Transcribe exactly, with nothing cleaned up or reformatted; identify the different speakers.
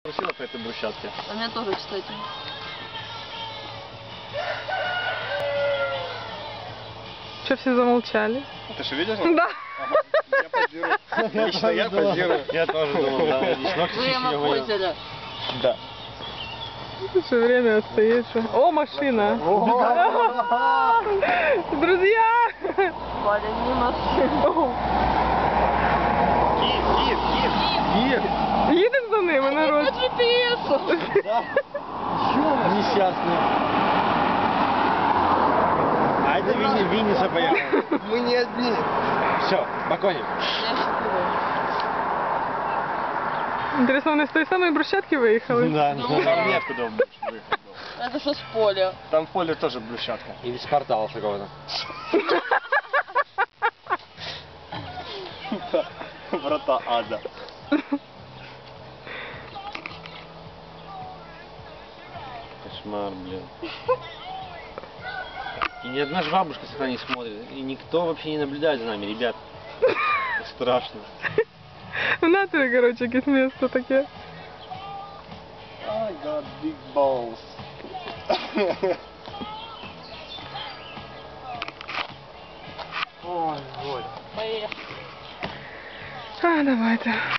Speaker 1: Сила по этой брусчатке.
Speaker 2: А у меня тоже, кстати.
Speaker 3: Что все замолчали?
Speaker 1: Ты что, видишь?
Speaker 3: Да.
Speaker 1: Ага. Я позирую. Лично я позирую. Я тоже думал, да.
Speaker 2: Взаимопользователя.
Speaker 1: Да.
Speaker 3: Что время отстоит. Что... О, машина! Друзья!
Speaker 2: Валя, не машина.
Speaker 1: Киев, Киев, Киев. Киев.
Speaker 3: Їдемо за ними, народ.
Speaker 2: По джи пі ес.
Speaker 1: Да. Несчастные. А это Винни, Винниса поехал. Мы не одни. Все, Баконим.
Speaker 2: Я считаю.
Speaker 3: Интересно, вони з тої самої брусчатки виїхали?
Speaker 1: Да, ну там нет куда больше выехать.
Speaker 2: Это что с поля?
Speaker 1: Там в поле тоже брусчатка.
Speaker 4: Или с портала какого-то.
Speaker 1: Врата ада. Кошмар, блин. И ни одна ж бабушка сюда не смотрит. И никто вообще не наблюдает за нами, ребят. Страшно.
Speaker 3: В натурі, коротше, якесь місто таке.
Speaker 1: I got big balls. Ой, ой.
Speaker 2: Поехали.
Speaker 3: А, давайте.